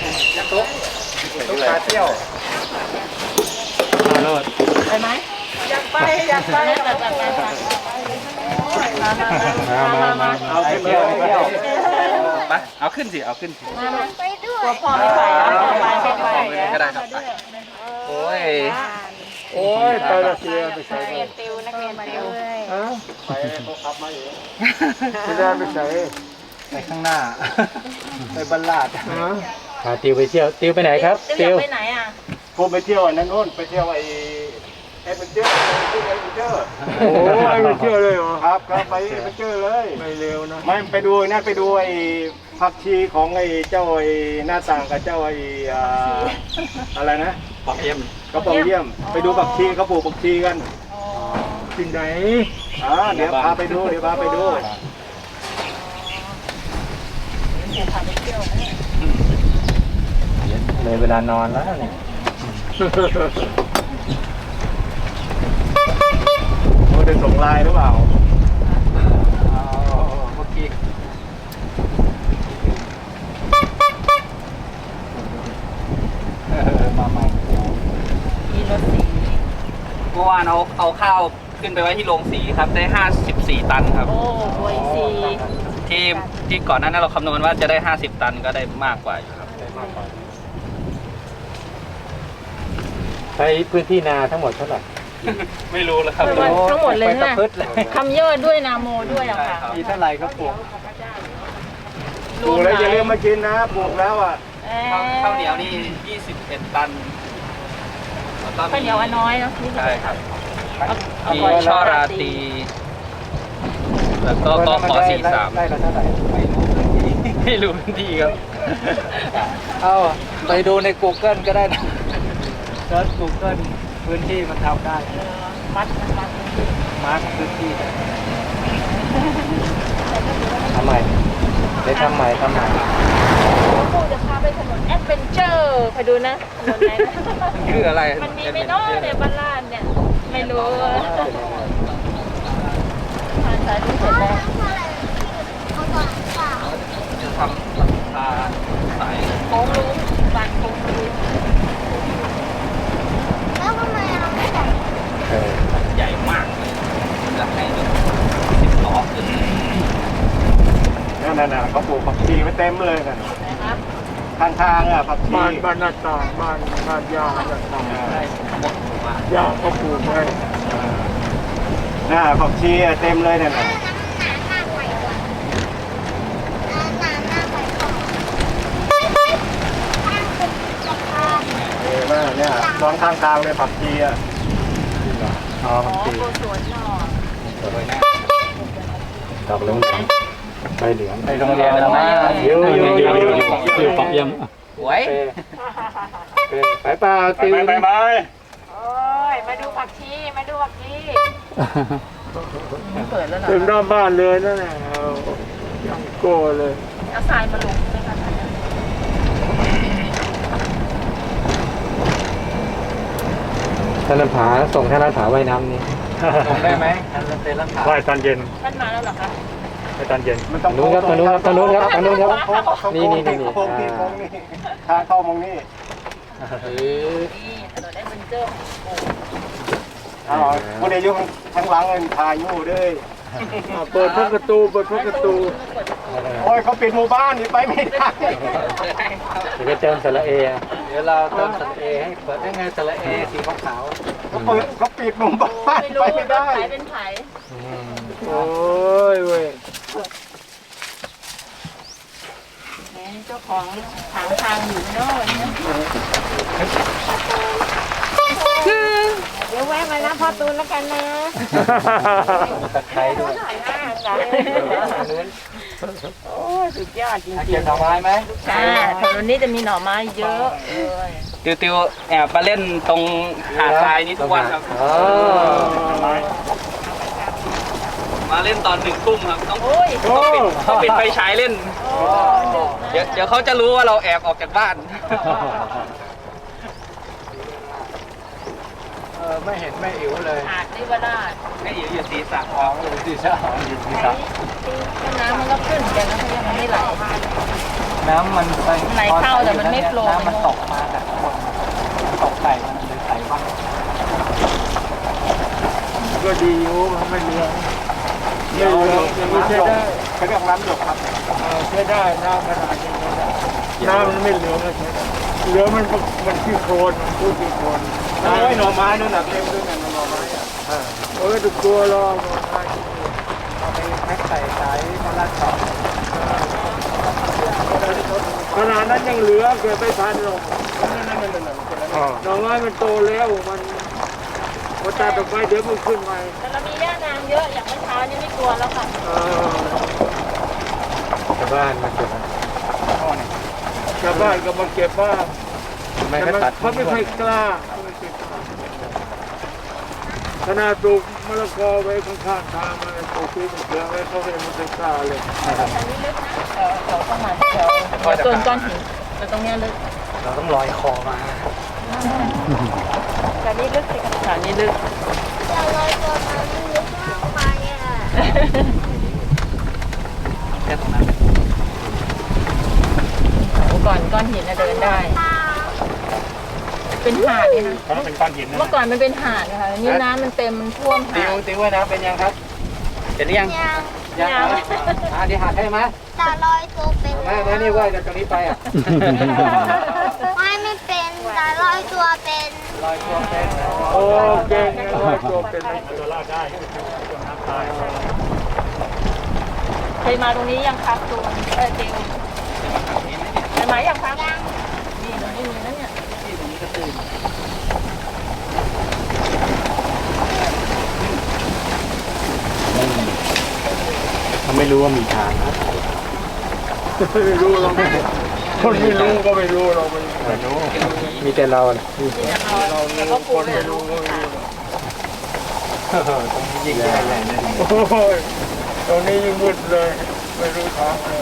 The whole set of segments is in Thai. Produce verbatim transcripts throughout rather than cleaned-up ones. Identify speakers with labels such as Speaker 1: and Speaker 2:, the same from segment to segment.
Speaker 1: ตุ๊กตุ๊กขาเที่ยวโลด
Speaker 2: ไปไหมอยากไปอยากไปไปไปไปมามามา
Speaker 1: เอาขึ้นเที่ยวไปเอาขึ้นสิเอาขึ้นสิ
Speaker 2: ไปด้วยตัวพ่อไม่ไปไปไปไป
Speaker 1: ก็ได้ครับไปโอ้ย
Speaker 3: โอ้ยไปละเสียไปใส่
Speaker 2: เรียนติวนักเรียนติว
Speaker 3: ไปเขาขับมาเองไม่ได้ไปใส่
Speaker 1: ไปข้างหน้าไปบัลลาด
Speaker 4: พาติวไปเที่ยวติวไปไหนครับ
Speaker 2: ติวไปไหนอ่ะ
Speaker 3: ผมไปเที่ยวนั่นนู่นไปเที่ยวไอ้ไอ้เป็นเที่ยวไอ้เป็นเที่ยวโอ้ไอ้เป็นเที่ยวเลยเหรอครับครับไปเป็นเที่ยวเลยไม่เร็วนะไม่ไปดูนั่นไปดูไอ้ผักชีของไอ้เจ้าไอ้หน้าต่างกับเจ้าไอ้อะไรนะ
Speaker 1: ปอกเยี่ยม
Speaker 3: เขาปอกเยี่ยมไปดูผักชีเขาปลูกผักชีกันที่ไหนอ่าเดี๋ยวพาไปดูเดี๋ยวพาไปดู
Speaker 4: เลยเวลานอนแล้วนี่
Speaker 3: โอ้ได้ส่งไลน์หรือเปล่า
Speaker 1: เมื่อกี้มาใหม่
Speaker 2: มีรถสี
Speaker 1: เมื่อวานเอาเอาข้าวขึ้นไปไว้ที่โรงสีครับได้ห้าสิบสี่ตันครับ
Speaker 2: โอ้โหสี
Speaker 1: ที่ที่ก่อนหน้านั้นเราคำนวณว่าจะได้ห้าสิบตันก็ได้มากกว่าอยู่ครับได้มากกว่า
Speaker 4: ใช้พื้นที่นาทั้งหมดเท่าไหร่
Speaker 1: ไม่รู้แล้วครับ
Speaker 2: ทั้งหมดเลยนะคำย่อด้วยนาโมด้วยอะค่ะ
Speaker 1: มีเท่าไหร่ก็ปลูก
Speaker 3: ปลูกแล้วอย่าลืมมากินนะปลูกแล้วอ่ะ
Speaker 1: ข้าวเหนียวนี่ยี่สิบเอ็ดตัน
Speaker 2: ข้าวเหนียวน้อยเนาะ
Speaker 1: ใช่ครับมีช่อราตรีแล้วก็กขอสี่สาม
Speaker 4: ได้แล้วเท่าไหร่
Speaker 1: ไม่รู้พื้นที่ครับ
Speaker 4: เอาไปดูใน Google ก็ได้นะเซิร์ช Google พื้นที่มันทำได้
Speaker 2: มัดมัด
Speaker 4: มาร์คพื้นที่ทำใหม่ได้ทำใหม่ทำใหม่
Speaker 2: กูจะพาไปถนนแอดเวนเจอร์ไปดูนะถนนไหน
Speaker 1: คืออะไร
Speaker 2: มันมีไม่น้อยในบ้านลาดเนี่ยไม่รู้ผ่านสายที่เสร็จแล้ว
Speaker 1: จะทำหลังคาสาย
Speaker 2: โค้งลุ้มบานโค้งลุ้มแล้วทำไมเราไม่ใส่
Speaker 1: ใหญ่มากจะให้สิบล้อขึ้น
Speaker 3: นั่นน่ะเขาปลูกผักชีไว้เต็มเลยกันข้างทางอ่ะผักชีบ้านบ้านหน้าต่างบ้านบ้านยาหน้าต่างยาเขาปลูกไว้น่ะผักชีเต็มเลยเนี่ยนะเออมาเนี่ยตอนข้างทางเลยผักชีอ่ะ
Speaker 4: อ๋อผักชี
Speaker 2: สวนหน่อ
Speaker 4: ดอกเหลืองใบเหลือง
Speaker 1: ไปโรงเรียนแล้วนะ
Speaker 4: อยู่อยู่อยู่อยู่ปอกเยี่ยม
Speaker 1: หวย
Speaker 4: ไปเปล่าติว
Speaker 3: ไปไป
Speaker 2: โอ้ยมาดูผักชีมาดูผักชีเปิดแล้วเหรอ
Speaker 3: ถึงหน้าบ้านเลยนั่นแหละยังโก้เลย
Speaker 2: เอาทรายมาลงไหมคะ
Speaker 4: ท่านผาส่งท่านผาว่ายน้ำนี่
Speaker 1: ส่งได้ไหมท่านเต้นแล้วผา
Speaker 3: ว่ายตอนเย็น
Speaker 2: ท่านมาแล้วเหรอคะ
Speaker 3: ไปตอนเย็น
Speaker 4: มันต้องนู้นครับตอนนู้นครับตอนนู้นครับตอนนู้นครับนี่นี่นี่
Speaker 3: นี่โค้งนี่โค้งนี่ทางเข้ามองนี่
Speaker 2: นี่ถนนแอดเวนเจอร์
Speaker 3: อ๋อคนอายุทั้งหลังเงินพายุด้วยเปิดพวกประตูเปิดพวกประตูโอ้ยเขาปิดหมู่บ้านนี่ไปไม่ได้
Speaker 4: เดี๋ยวจะเติมสระเอเดี๋ยวเราเติมสระเอให้เปิดได้ไงสระเอสีขาว
Speaker 3: เขาเปิดเขาปิดหมู่บ้านไปไม่ได้
Speaker 2: ไผ่เป็นไผ่
Speaker 3: โอ้ยเว้ย
Speaker 2: เจ้าของทางทางอยู่โน่นเดี๋ยวแวะมานะพ่อตูนแล้วกันนะ
Speaker 4: ตะไคร้ด้วย
Speaker 2: โอ้สุดยอดจริงๆ
Speaker 4: เก็บหน่อไม้ไหม
Speaker 2: ใช่ถนนนี้จะมีหน่อไม้เยอะ
Speaker 1: ติวติวแอบมาเล่นตรงหาดทรายนี้ทุกวันครับมาเล่นตอนหนึ่งทุ่มครับต้องต้องปิดต้องปิดไฟฉายเล่นเดี๋ยวเดี๋ยวเขาจะรู้ว่าเราแอบออกจากบ้าน
Speaker 4: เออไม่เห็นไม่อิ๋วเลย
Speaker 2: หาดนิวราช
Speaker 1: ไม่อิ๋วอยู่สีสัน
Speaker 4: อ๋ออยู่สีสันอยู่สีสัน
Speaker 2: น้ำมันก็ขึ้นแต่น้ำยังไม่ไหล
Speaker 4: น้ำมันไป
Speaker 2: ไหลเข้าแต่มันไม่โฟลว์
Speaker 4: น้ำมันตกมาจากข้างบนตกใส่มันเลยใส่บ้าง
Speaker 3: ก็ดีอยู่มันไม่เหลืองไม่เหลืองยังไม่ใช่ได้เขาเรียกน้ำหยกครับใช้ได้น้ำขนาดนี้ใช้ได้น้ำมันไม่เหลืองเลยใช้ได้เหลืองมันมันขี้โคลนมันพูดขี้โคลนน้ำไอ้หน่อไม้นั่นหนักเต็มด้วยนะหน่อไม้อ่ะโอ้ยถูกตัวรอหน่อไม้
Speaker 4: เอาไปแพ็คใส่สายมาลาดต่อ
Speaker 3: ขนาดนั้นยังเหลือเกิดไม่ทันหรอกนั่นนั่นนั่นนั่นหน่อไม้มันโตแล้วมันพอตัดออกไปเดี๋ยวมันขึ้นใหม่
Speaker 2: แต่เรามีย่านางเยอะอย่างเมื่อเช้านี่ไม่กลัวแล้วค่ะ
Speaker 3: ชาวบ้านมาเก็บชาวบ้านก็มาเก็บบ้างแต่มันเขาไม่ค่อยกล้าขนาดปลูกมะละกอไว้ข้างๆทางมันปลูกที่มันเกลือไว้เขาไม่ไม่กล้าเลย
Speaker 2: อันนี้ลึกนะเดี๋ยวเดี๋ยวต้องมาเดี๋ยวเดี๋ยวโซนก้อนหินแต่ตรงเนี้ยลึก
Speaker 4: เราต้องลอยคอมา
Speaker 2: แต่นี่ลึกสิค่ะนี่ลึก
Speaker 5: จะลอยตัวมามันลึกมากไปอ่ะ
Speaker 1: แค่ตรงนั้น
Speaker 2: โอ้ก่อนก้อนหินน่ะเดินได้ เป็นหาดเลยนะ
Speaker 3: เพราะเป็นก้อนหินนะ
Speaker 2: เมื่อก่อนมันเป็นหาดนะคะนี่น้ำมันเต็มมันท่วม
Speaker 4: ติ
Speaker 2: หาว ด
Speaker 4: ติวไว้นะเป็นยังครับ
Speaker 1: เห็นหรือยัง
Speaker 5: ยัง
Speaker 4: ยังเหรออ่าเดี๋ยวหาให้ไหม
Speaker 5: แต่ลอยตัวเป็น
Speaker 4: มามานี่ว่าจากตรงนี้ไปอ่ะ
Speaker 5: ไม่ไม่เป็นแต่ลอยตัวเป็น
Speaker 4: ลอยตัวเป็น
Speaker 3: โอ้เก่งลอยตัวเป็นตัวรอดได้
Speaker 2: เคยมาตรงนี้ยังครับตูนเออเจลเคยมายังครับนี่ตรงนี้มีนะเนี่ย
Speaker 3: เขาไม่รู้ว่ามีทางนะไม่รู้เราคนไม่รู้ก็ไม่รู้เราไม่รู้มีแต่เราแหละ
Speaker 2: นี่นะคะแล้วก็ปู
Speaker 3: คน
Speaker 2: ไป
Speaker 3: ไม่
Speaker 2: รู้
Speaker 3: รู้ก็ไม่รู้
Speaker 4: ยิงใหญ่ใหญ่เลย
Speaker 3: โอ้ยตรงนี้ยิ่งมืดเลยไม่รู้ทางเลย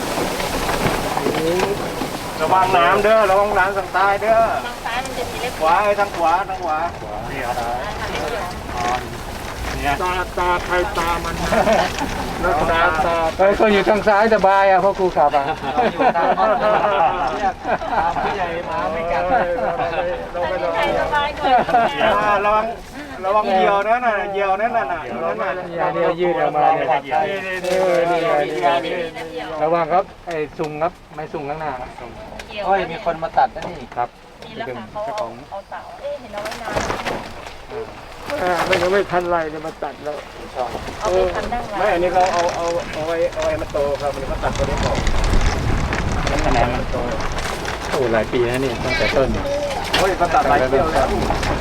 Speaker 3: ระวังน้ำเด้อระวังน้ำทางใต้เด้อ
Speaker 2: ทางซ้ายมันจะมีเล็บ
Speaker 3: ขวาไอ้ทางขวาทางขวานี่ครับ
Speaker 2: ทางเล็บเดียว
Speaker 3: ตาตาใครตามันแล้วตาตา
Speaker 4: เฮ้ยคนอยู่ทางซ้ายสบายอ่ะเพราะครูขับอ่ะเราอยู่ทางเนี่ยตามผู้ใหญ่มาไม่กัด
Speaker 3: เรา
Speaker 2: อัน
Speaker 3: ไม่
Speaker 2: นี้
Speaker 3: ต้อง
Speaker 2: ใครสบายกว่า
Speaker 3: ระวังระวังเหยี่ยวนั่นน่ะเหยี่ยวนั่นน่ะนั่นน่ะ
Speaker 4: อย่าเดียวยืดออกมาเนี่ย
Speaker 3: นี่นี่นี่นี่นี่
Speaker 4: ระวังครับไอ้ซุงครับไม่ซุงข้างหน้าโอ้ยมีคนมาตัดนะนี่ครับ
Speaker 2: นี่แล้วค่ะเขาเอาเอาเสาเอ๊ะเห็นเอาไว้นาน
Speaker 3: ไม่ยังไม่ทันไรเลยมาตัดแล้ว
Speaker 2: เอาไปทำดั้ง
Speaker 3: ไม่
Speaker 2: ร้าน
Speaker 3: อันนี้เขาเอาเอาเอาไว้เอาไว้มาโตครับมันก็ตัดตัวนี้ออกนั่นคะแนนมันโต
Speaker 4: โอ้หลายปีแล้วนี่ตั้งแต่ต้นเนี่ย
Speaker 3: โอ้ยเขาตัดหลายเที่ยวแล้ว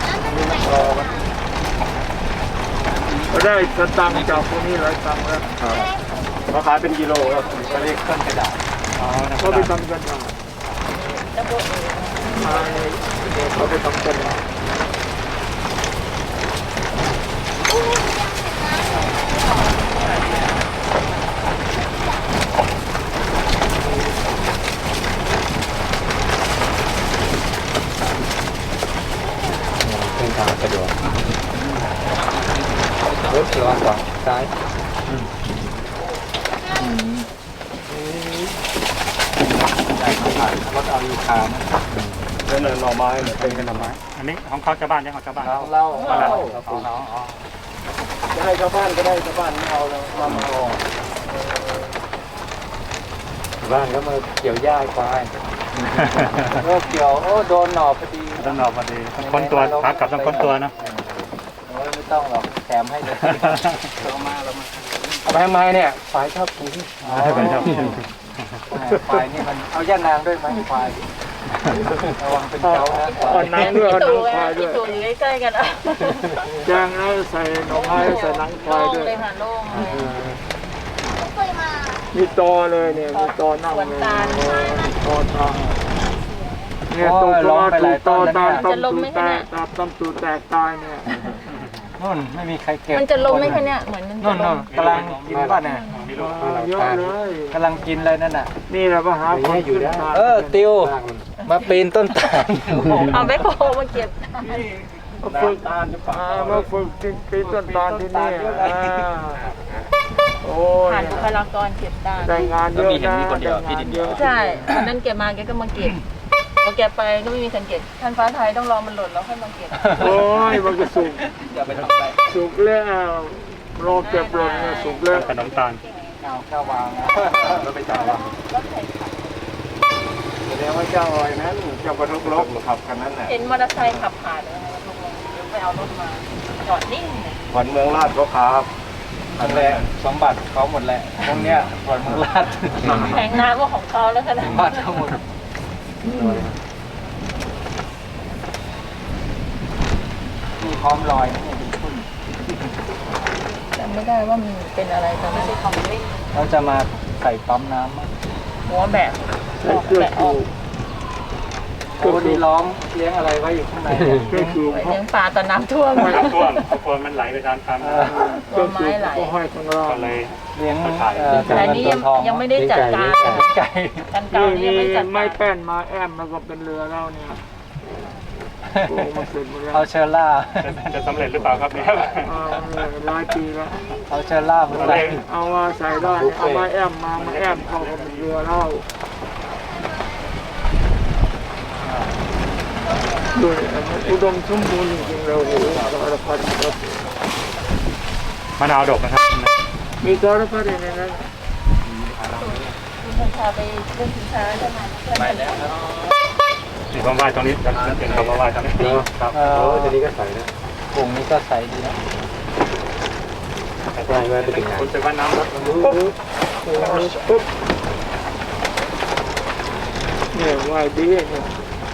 Speaker 3: ก็ได้สตังค์จากพวกนี้หลายตังค์แล้วเขาขายเป็นกิโลครับเขาเรียกต้นกระดาษเขาไปทำกันมา
Speaker 2: ตะโบเอ๋
Speaker 3: เขาไปทำกันมา
Speaker 4: เส้นทางสะดวกรถระวังขวาซ้ายรถเอาอยู่คาน
Speaker 3: นั่นน่ะหน่อไม้เนี่ยเป็น
Speaker 4: เป็นหน่อไม้
Speaker 6: อันนี้ของเขาชาวบ้านเนี่ยของชาวบ้าน
Speaker 4: เราเล่า
Speaker 6: บ้านเรา
Speaker 4: เรา
Speaker 6: ของเราอ๋อ
Speaker 3: จะให้ชาวบ้านก็ได้ชาวบ้านไม่เอาแล้วมามาเอา
Speaker 4: บ้านก็มาเกี่ยวหญ้าควายก็เกี่ยวโอ้โดนหน่อพอดี
Speaker 6: ต้องรอพอดีต้องค้นตัวขากลับต้องค้นตัวนะ
Speaker 4: โอ้ยไม่ต้องหรอกแถมให้เลย
Speaker 1: เรามาเรามา
Speaker 4: เอาไปทำไมเนี่ยควายชอบกินควายนี่มันเอาย่านางด้วยไหมควายระวังเป็นเจ้านะ
Speaker 3: เอาหนังด้วยเอาหนั
Speaker 2: ตู
Speaker 3: งควายด้วย
Speaker 2: ตูอยู่ใกล้ๆกันอ่ะ
Speaker 3: แจงแล้วใส่หน่อไม้ใส่หนังควาย
Speaker 2: โล่ง
Speaker 3: ด้วย
Speaker 2: เลยค่ะโล่งเลย
Speaker 5: เคยมา
Speaker 3: มีตอเลยเนี่ยมีตอนั่งเลยตอทางเนี่ยตรงตอถูกตอตามต้มตูแตกตามต้มตูแตกตายเนี่ย
Speaker 4: นู่นไม่มีใครเก็บ
Speaker 2: มันจะล้มไหมคะเนี่ยเหมือนมัน
Speaker 4: นู่
Speaker 2: จะ
Speaker 4: น
Speaker 2: ล้
Speaker 4: นู่
Speaker 2: ม
Speaker 4: นกำลังกินป่ะเนี่ย
Speaker 3: เยอะเลย
Speaker 4: กำลังกินเลยนั่นน่ะ
Speaker 3: นี่แหละมาหาคนอยู่ได้
Speaker 4: เออติวมาปีนต้นตาล
Speaker 2: เอาไปโคมาเก็บ
Speaker 3: มาฝึกอ่านมาฝึกปีนต้นตาลที่นี่โอ้
Speaker 2: ผ่านบุคลากรเก็บได้
Speaker 3: ได้งานเย
Speaker 1: ก็
Speaker 3: อะ
Speaker 1: มีเห็น
Speaker 3: นะ
Speaker 1: มีคนเดียวพี่ดินเดียว
Speaker 2: ใช่วันนั้นแกมาแกก็มาเก็บพอแกไปก็ไม่มีคนเก็บท่านฟ้าไทยต้องรอมันหล่นแล้วค่อยมาเก็บ
Speaker 3: โอ้ยมันก็สุก
Speaker 1: อย่าไปทำไป
Speaker 3: สุกแล้วรอเก็บหล่นเนี่ยสุกแล้ว
Speaker 6: ขนมตาล
Speaker 4: เอาข้าววางนะ
Speaker 3: เราไปจ่ายวะแสดงว่าเจ้าอ้อยนั้นเจ้ากระทกลบขับกันนั้นน่ะ
Speaker 2: เห็นมอเตอร์ไซค์ขับผ่านเลยลงเดี๋ยวไปเอารถมาจอดนิ่งเลย
Speaker 3: ขวัญเมืองลาดก็ขับ
Speaker 4: นั่นแหละสมบัติเขาหมดแหละพวกเนี้ยส่วนเมืองลาด
Speaker 2: แข่งน้ำก็ของเขาแล้วขนาด
Speaker 4: สมบัติทั้งหมดนี่พร้อมลอยนะเนี่ยเป็นทุ่น
Speaker 2: จำไม่ได้ว่ามันเป็นอะไรแต่ไม่ใช่ของเล่น
Speaker 4: เราจะมาใส่ปั๊มน้ำมั้ง
Speaker 2: หัวแบบ
Speaker 3: ใส่เสื้อชู
Speaker 4: โอ้ดีล้อมเลี้ยงอะไรไว้อยู่ข้างในเนี่ย
Speaker 3: เสื้อชู
Speaker 2: ไว้เลี้ยงปลาตอนน้ำท่วม
Speaker 6: ไม่ท่วมเพราะกลัวมันไหลไปตามตาม
Speaker 4: เออ
Speaker 2: หัวไม้ไหล
Speaker 3: ก็ห้อยข้างล่าง
Speaker 6: ก็เลย
Speaker 4: เลี้ยง
Speaker 6: ถ่าย
Speaker 4: เอ่อ
Speaker 2: แต่อันนี้ยังยังไม่ได้จัดการ
Speaker 4: เลี้ยงไก่
Speaker 2: กันเก่านี่ยังไม่จัด
Speaker 3: ไม่
Speaker 2: การ
Speaker 3: แป้นมาแอมแล้วก็เป็นเรือแล้วเนี่ยโอ้มันเสร็จหมดแล้ว
Speaker 4: เอาเชอร่า
Speaker 6: จะจะสำเร็จหรือเปล่าครับเนี่ย
Speaker 3: เอาเลยหลายปีแล้ว
Speaker 4: เอาเชอร่ามาใส่
Speaker 3: เอามาใส่ได้เอามาแอมมามาแอมเข้ากับเป็นเรือแล้วด้วยอุดมสมบูรณ์จริงๆเราโอ้โหสารพัดครับ
Speaker 6: มะนาวดกนะครับ
Speaker 3: มีสารพัดในนั้น
Speaker 2: คุณพาไปเล่นสินค้าใช่ไหม
Speaker 1: ไปแล้วครับ
Speaker 6: นี่ผมไหว้ตรงนี้จะเห็นเขามาไหว้ตรงนี้ครับ
Speaker 4: เออจะนี้ก็ใส่นะกลุ่มนี้ก็ใส่ดีนะ
Speaker 6: ไหว้ไหว้ไปถึงไหนคุณจะว่าน้ำครับ
Speaker 3: ปุ๊บปุ๊บเนี่ยว่ายดีเนี่ย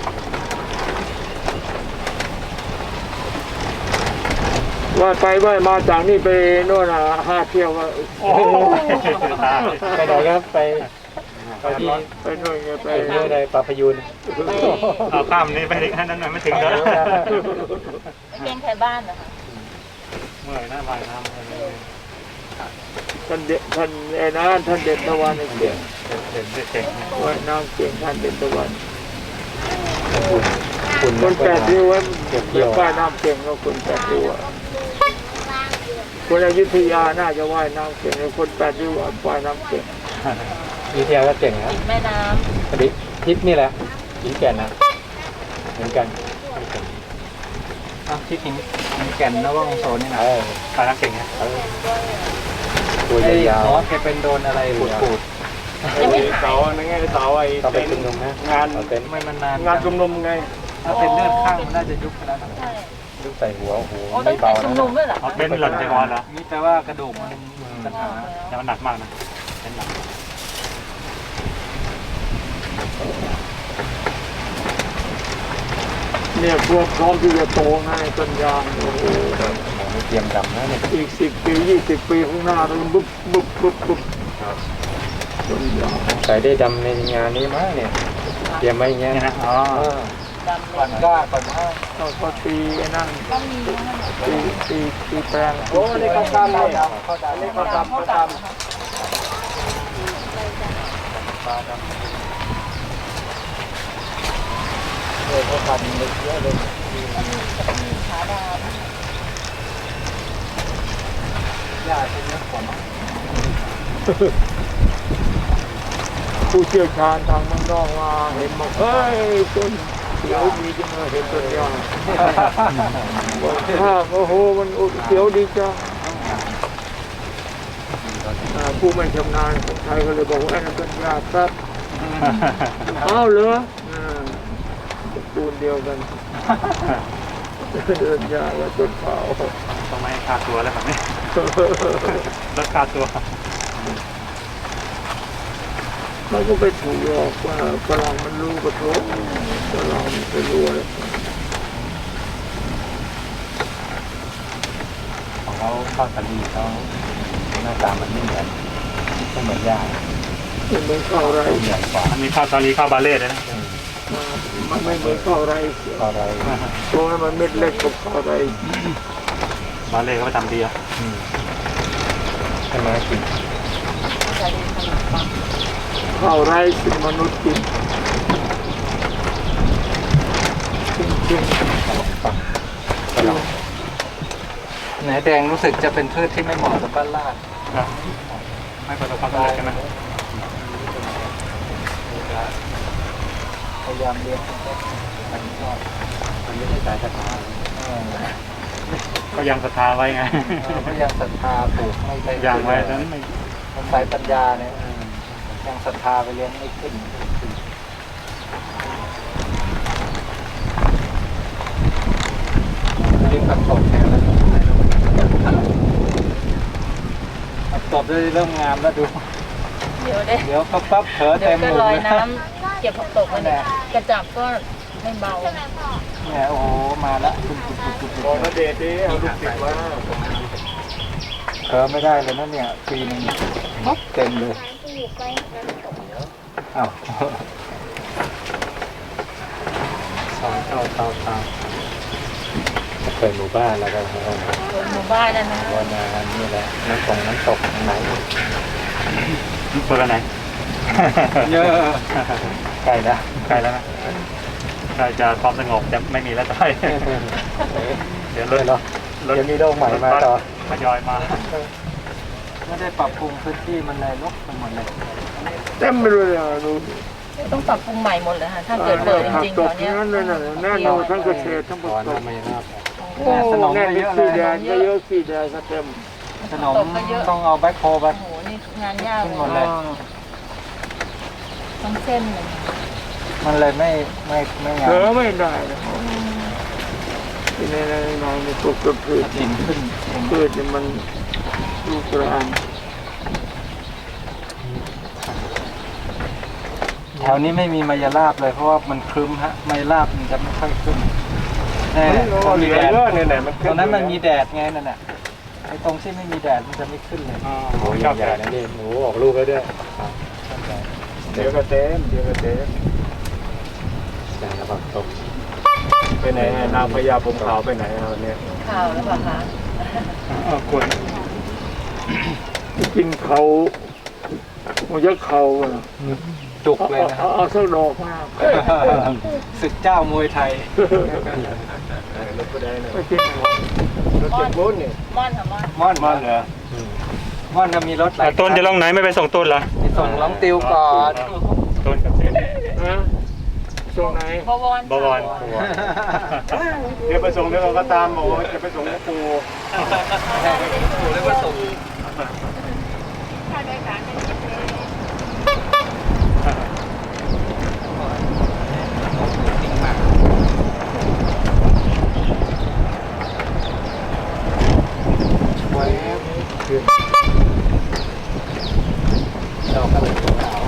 Speaker 3: ว่าไปว่ามาจากนี่ไปโน่นอ่ะห้าเที่ยวก็
Speaker 6: โอ้โหตาย
Speaker 4: ไปไหนครับไปไปที่
Speaker 3: ไปโน่นไงไป
Speaker 4: ไปเรื่อยในปลาพยูน
Speaker 6: เอาข้ามนี้ไปให้นั้นหน่อยไม่ถึงแล้ว
Speaker 2: ไปเลี้ยงใครบ้านนะคะ
Speaker 6: เมื่อยหน้าว่ายน้ำเลย
Speaker 3: ท่านเด็ดท่านไอ้นะท่านเด่นตะวันไอ้เก่ง
Speaker 6: เห็นเก่ง
Speaker 3: ว่ายน้ำเก่งท่านเด่นตะวัน
Speaker 4: คุณ
Speaker 3: คนแปดริ้วไว้เป็นว่ายน้ำเก่งก็คนแปดริ้วอะคนอยุธยาน่าจะว่ายน้ำเก่งแล้วคนแปดริ้วว่ายน้ำเก่ง
Speaker 4: วิทยาก็เก่งนะ
Speaker 2: ติดแม่น้
Speaker 4: พอดีทิศนี่แหละหินแก่นนะเหมือนกันอ่ะทิศหินหินแก่นนะว่าองโซนนี่นะ
Speaker 6: ตายน้ำเก่งนะ
Speaker 4: ตัวยาวๆแกเป็นโดนอะไรปูดปูด
Speaker 2: ำยังไม่หาย
Speaker 3: เสาไงเสาไอ้
Speaker 4: ต่อไปชุมนุมนะ
Speaker 3: งาน
Speaker 4: เป็นไม่มันนาน
Speaker 3: งานชุมนุมไง
Speaker 4: ถ้าเป็นเลือดข้างมันน่าจะยุบไปแล้วนะ
Speaker 2: ใช่
Speaker 4: ยุบใส่หัวโอ้โห
Speaker 2: โอ้ตั้
Speaker 4: ไม่
Speaker 2: งแต่
Speaker 4: เบา
Speaker 2: ชุม
Speaker 4: นะ
Speaker 2: นุมด้วยเหรอ
Speaker 6: เอาเป็นหล่นใจงอนเหรอ
Speaker 4: นี่แปลว่ากระดูกมันมีปัญหา
Speaker 6: แต่มันหนักมากนะเป็นหนัก
Speaker 3: เนี่ยพวกพร้อมที่จะโตง่ายต้นยางโอ้โห
Speaker 4: ไม่เตรียมดำนะเนี่ย
Speaker 3: อีกสิบปียี่สิบปีข้างหน้าเราบุ๊บบุ๊บบุ๊บบุ๊บต้นยาง
Speaker 4: ใส่ได้ดำในงานนี้มั้งเนี่ยเตรียมไว้อย่างเงี้ย
Speaker 6: นี่นะอ๋อ
Speaker 2: ดำ
Speaker 4: ก่อนกล้าก่อนว่า
Speaker 3: ก็ก็ตีไอ้นั่น
Speaker 2: ก็มีนะคะ
Speaker 3: ตีตีตีแปลง
Speaker 4: โอ้นี่เขาดำเขาดำเขาดำ
Speaker 3: นี่
Speaker 2: เขา
Speaker 3: เขา
Speaker 2: ดำ
Speaker 3: ดำ
Speaker 2: เขา
Speaker 3: เขา
Speaker 2: ด
Speaker 3: ด
Speaker 4: ปลาดำเออเขาทำเยอะเลย
Speaker 2: ำขาด
Speaker 4: ยาเป็นเนื้อขม
Speaker 3: ำผู้เชี่ยวชาญทางเมืองนอกมาเห็นบอกเฮ้ยต้นเขียวดีจังเลยเห็นต้นยางบอกถ้าโอ้โหมันเขียวดีจังอ่าผู้ไม่ชำนาญคนไทยก็เลยบอกว่านั่นเป็นยาครับ อ้าวเหรออ่าปูนเดียวกัน เดินยากว่าต้นเผา
Speaker 6: ต้องไม่ขาดตัวแล้วแบบนี้ลดขาดตัว
Speaker 3: มันก็ไปถูกหลอกว่าฝรั่งมันรู้กระทบฝรั่งมันไปรู้อะไร
Speaker 4: ของเขาข้าวสาลีเขาหน้าตามันไม่เหมือนไม่เหมือนยา
Speaker 3: มันเหมือนข้าวไร
Speaker 4: ใหญ่กว่า
Speaker 6: อันนี้ข้าวซาลีข้าวบาเล่เลยนะ
Speaker 3: มันไม่เหมือนข้าวไร
Speaker 4: ข้าวไร
Speaker 3: เพราะว่ามันเม็ดเล็กกว่าข้าวไร
Speaker 6: บาเล่เขาไปทำดีอ่ะ
Speaker 4: ใช่ไหมกิน
Speaker 3: ข้าวไรเป็นมนุษย์กินจริง
Speaker 4: ปังไหนแดงรู้สึกจะเป็นพืชที่ไม่เหมาะกับบ้านลาด
Speaker 6: นะไม่ประสบความสำเร็จใช่ไหม
Speaker 4: พยายามเลี้ยงมันชอบมันไม่ใช่สายศรัทธา
Speaker 6: ก็ยังศรัทธาไว้ไง
Speaker 4: พยายามศรัทธาปลูกไม่ได้
Speaker 6: อย่างไว้นั้นไม่
Speaker 4: มันสายปัญญาเนี่ยยังศรัทธาไปเลี้ยงไม่ขึ้นเลี้ยงผักตบแทนแล้วผักตบได้เริ่มงามแล้วดู
Speaker 2: เดี๋ยวได้
Speaker 4: เดี๋ยวปั๊บปั๊บเผลอ
Speaker 2: เดี๋
Speaker 4: เต็
Speaker 2: ยว
Speaker 4: ม
Speaker 2: ก็
Speaker 4: หม
Speaker 2: ล
Speaker 4: ด
Speaker 2: อย
Speaker 4: เลย
Speaker 2: น้ำเก็บผักตกมาเนี่ยกระจับก็ไม่เบา
Speaker 4: เนี่ยโอ้โหมาแล้วปุ๊บปุ๊บปุ๊บปุ๊บ
Speaker 3: บอกนะเดชดิเอาลูกติดมา
Speaker 4: เผลอไม่ได้เลยนะเนี่ยปีนึงปั๊บเต็มเลยอ้าวสองเท่าเท่าเท่าเคยหมู่บ้านแล้วก็
Speaker 2: หมู่บ้านนั่นนะ
Speaker 4: วันงานนี่แหละน้ำตกน้ำตกทางไหน
Speaker 6: เปิดแล้วไหน
Speaker 4: เยอะใกล้แล้ว
Speaker 6: ใกล้แล้วนะใกล้จะความสงบจะไม่มีแล้วใช่เดี๋ยวรถ
Speaker 4: เนาะ
Speaker 6: รถ
Speaker 4: เดี๋ยวมีโรคใหม่มาต่อ
Speaker 6: ทยอยมา
Speaker 4: ไม่ได้ปรับปรุงพื้นที่มันเลยลกไปหมดเลย
Speaker 3: เต็มไปเลยอ่ะดู
Speaker 2: ต้องปรับปรุงใหม่หมดเลยค่ะถ้าเกิดเปิดจริงๆ
Speaker 3: ต
Speaker 2: ต
Speaker 3: ก
Speaker 2: อนเนี้ย
Speaker 3: นั้นเลยนะแน่นอนทั้งเกษตรทั้งผ
Speaker 4: ก่อน
Speaker 3: สม
Speaker 4: น้ำไม่ราบ
Speaker 3: โอ้แน่นเป็นสีแดงก็เยอะสีแดงก็เต็ม
Speaker 4: ขนมต้องเอาแบ็คโฮไป
Speaker 2: โอ้โหนี่งานยาก
Speaker 4: ขึ้น
Speaker 2: เล
Speaker 4: หมด
Speaker 2: ย
Speaker 4: เลย
Speaker 2: ต้องเส้นเลย
Speaker 4: มันเลยไม่ไม่ไม่งา
Speaker 3: เผลอ
Speaker 4: ม
Speaker 3: ไม่ได้นะที่ในในในในปลูกกับพืช
Speaker 4: ดินขึ้น
Speaker 3: พืชเนี่ยมันลูกกระอัน
Speaker 4: แถวนี้ไม่มีมายาลาบเลยเพราะว่ามันครึ้มฮะมายาลาบมันจะไม่ค่อยขึ้นแน่
Speaker 3: มันเหลือเยอะเนี่ยเนี่ยมัน
Speaker 4: ตรงนั้นมันมีแดดไงนั่นน่ะไอ้ตรงที่ไม่มีแดดมันจะไม่ขึ้นเลย
Speaker 6: โอ้ยชอบใหญ่นะนี่
Speaker 4: หนูออกลูกแล้วด้วย
Speaker 3: เดี๋ยวก็เต็มเดี๋ยวก็เต็ม
Speaker 4: แต่ระวังตก
Speaker 3: ไปไหนนางพญาผมขาวไปไหนเอาเนี่ย
Speaker 2: ข่าวแล้วเปล่าคะ
Speaker 6: กวน
Speaker 3: กินเขามันจะเขาอ่ะ
Speaker 4: จุกเลยนะ
Speaker 3: เอาเอาสักดอกมา
Speaker 4: ศึกเจ้ามวยไทย
Speaker 3: รถก็ได้นะรถเจ็บบุญเนี่ย
Speaker 2: ม่อนค่ะม่อน
Speaker 4: ม่อน
Speaker 3: มันเหรอ
Speaker 4: ม่อนก็มีรถหลาย
Speaker 6: ต้นจะลงไหนไม่ไปส่งต้นเหรอ
Speaker 4: ไปส่งน้องติวก่อน
Speaker 6: ต้นกับเต้น
Speaker 3: ฮะส่งไหน
Speaker 2: บวร
Speaker 6: บวร
Speaker 3: เดี๋ยวไปส่งเดี๋ยวเราก็ตามบอกว่าจะไปส่งหลวงปู่
Speaker 1: ถูกเรียกว่าส่ง
Speaker 2: ค่าโดยสารเป็นพิเศษ
Speaker 4: ไว้คือดอกอะไรขาว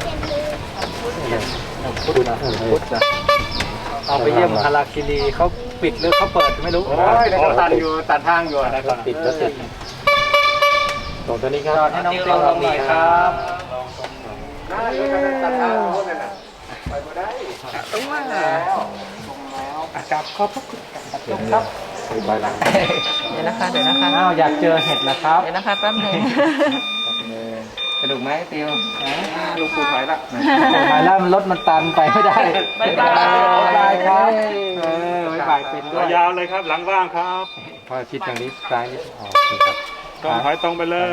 Speaker 4: พุทธนะพุทธนะเอาไปเยี่ยมฮาราคิรีเขาปิดหรือเขาเปิดไม่รู้
Speaker 3: โอ้ยเดี๋ยวก็ตัดอยู่ตัดทางอยู่นะ
Speaker 4: ปิดแล้วติดตรงตัวนี้ครับให้น้องติวลงหน่อยครับ
Speaker 3: น่าเดี๋ยวจะตัดทางโน้นน่ะนะไปบ่ได้
Speaker 1: ต้องมา
Speaker 4: จับขอบพระคุณครับไปหลัง
Speaker 2: เดี๋ยวนะคะเดี๋ยวนะคะ
Speaker 4: อ้าวอยากเจอเห็ดนะครับ
Speaker 2: เดี๋ยวนะคะแป๊บหนึง
Speaker 4: กระดูกไหมติว
Speaker 3: ลูกปู่หายละ
Speaker 4: หายแล้วมันรถมันตันไปไม่ได้
Speaker 2: บ๊ายบาย
Speaker 4: บ๊ายบายครับเออบ๊ายบายเป็นด้วย
Speaker 6: ยาวเลยครับหลังว่างครับ
Speaker 4: พอชิดทางนี้ซ้ายนิดออกครับ
Speaker 6: ตรงถอยตรงไปเลย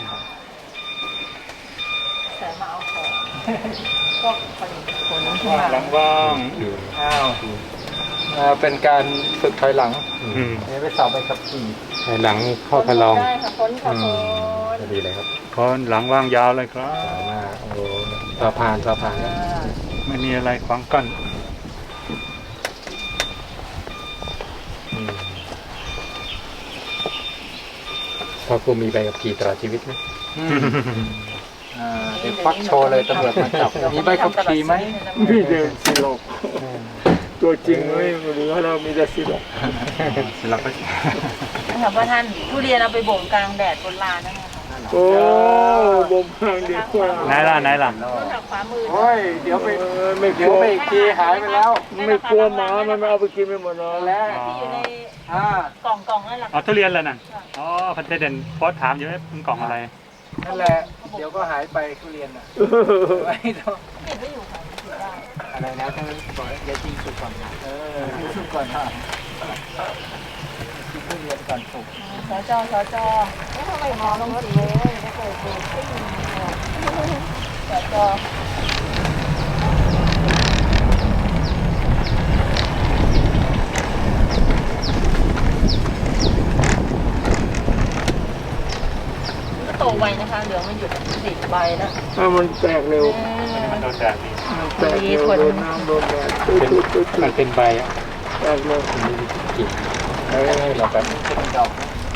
Speaker 2: แต่มาเอาของพวกผลิตผลที่มา
Speaker 6: หลังว่าง
Speaker 4: อ้าวอ่าเป็นการฝึกถอยหลัง
Speaker 6: อืม
Speaker 4: นี่ไปสอบไปขับขี่
Speaker 7: ภายหลังเข้าพลอง
Speaker 2: ได้ค่ะพ้นค่ะพ้น
Speaker 7: จะดีเลยครับ
Speaker 6: คนหลังว่างยาวเลยครับ
Speaker 7: สามารถโอ้สะพานสะพานครับ
Speaker 6: ไม่มีอะไรขวางกั้น
Speaker 7: อืมพอครูมีใบขับขี่ตลอดชีวิตไหม
Speaker 4: อ่าเดี๋ยวควักโชว์เลยตำรวจมาจับมีใบขับขี่ไหม
Speaker 3: มีแต่สิลกตัวจริงไม่เหลือเรามีแต่สิลก
Speaker 6: เสร็จแล้วก็
Speaker 2: นะคะพ่อท่านทุเรียนเอาไปบ่มกลางแดดบนลานนั่นไงค่ะ
Speaker 3: โอ้บ่มพังดีกว่า
Speaker 6: ไหนล่ะไหนล่ะ
Speaker 2: ต้นทางขวามือ
Speaker 3: โอ้ยเดี๋ยวไปไม่ก
Speaker 4: เดี๋
Speaker 3: ลั
Speaker 4: ยว
Speaker 3: ว
Speaker 4: ไปอีกทีหายไปแล้ว
Speaker 3: ไม่กลัวหมามันมาเอาไปกินไปหมดแล้ว
Speaker 4: แล้ว
Speaker 2: ที่อยู่ใน
Speaker 4: อ่าก
Speaker 2: ล่องกล่องนั่นแหละ
Speaker 6: อ๋อทุเรียนแล้วน่ะอ๋อพันเด่นโพสต์ถามอยู่ว่าเป็นกล่องอะไร
Speaker 4: นั่นแหละเดี๋ยวก็หายไปทุเรียนอ่ะไม่ต้อง
Speaker 2: เก็บไว้อยู่ค่ะถือได้
Speaker 4: อะไรนะต้องก่อนอย่าจริงสุดก่อนนะเออสุดก่อนนะกินทุเรียนก่อนสุก
Speaker 2: สจสจแล้วทำไมมอลงสีเลยไม่เคยดูซิ่งสจก็โตไวนะคะเหลืองมันหยุดสีใบแล้ว
Speaker 3: ถ้ามันแตกเร็ว
Speaker 6: มันโดนแดดดี
Speaker 3: มันแตกเร็วโดนน้ำโดนแดด
Speaker 7: เป็นมันเป็นใบอ่ะ
Speaker 3: แตกเร็ว
Speaker 7: มันไม่ได้กลิ่นเฮ้ยเราแบบ
Speaker 4: เป็นดอก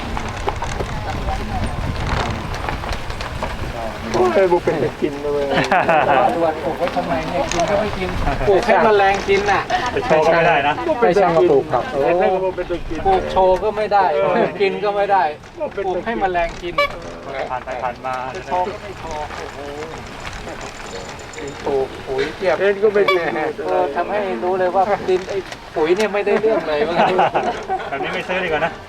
Speaker 3: โอ้ยบุเป็นจะกินเลย
Speaker 4: ด่วนปลูกไว้ทำไมเนี่ยกินก็ไม่กินปลูกให้แมลงกินน่ะ
Speaker 6: ไปโชว์ก็ไม่ได้นะ
Speaker 7: ไม่ใช่มาปลูกครับ
Speaker 3: เออแล้วก็เป็นจะกิน
Speaker 4: ปลูกโชว์ก็ไม่ได้กินก็ไม่ได้ปลูกให้แมลงกิน
Speaker 6: ผ่านไปผ่านมา
Speaker 4: จะโชว์ก็ไม่โชว์โอ้โหปลูกปุ๋ยเทียบ
Speaker 3: เอ็นก็ไม่ดี
Speaker 4: เออทำให้รู้เลยว่าดินไอ้ปุ๋ยเนี่ยไม่ได้เรื่องเลยว่า
Speaker 6: แบบนี้ไม่ซื้อดีกว่านะ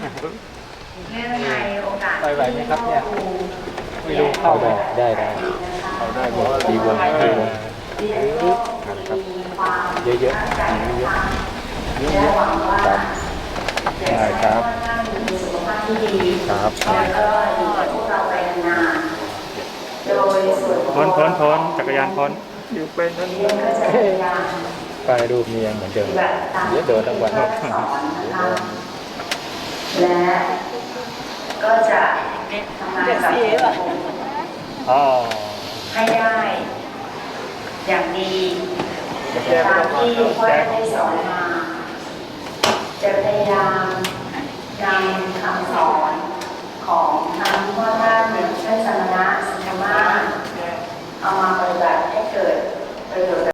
Speaker 4: ไปไหวไหมครับเนี่ยไม่รู้
Speaker 7: เข้า
Speaker 4: เข้า
Speaker 7: ได้ได้ได้
Speaker 3: เอาได้หมด
Speaker 7: ดีวงดีวงครับเยอะๆเยอะเยอะๆครับได้ครับครับ
Speaker 6: พ้นพ้นพ้นจักรยานพ้น
Speaker 3: อยู่เป็นทั้งนี้
Speaker 7: ป้ายรูปนี้ยังเหมือนเดิมเดี๋ยวเดินทั้งวัน
Speaker 8: และก็จะทำงานกับ
Speaker 6: อ๋อ
Speaker 8: ให้ได้อย่างดีตามที่พ่อได้สอนมา จะพยายามนำค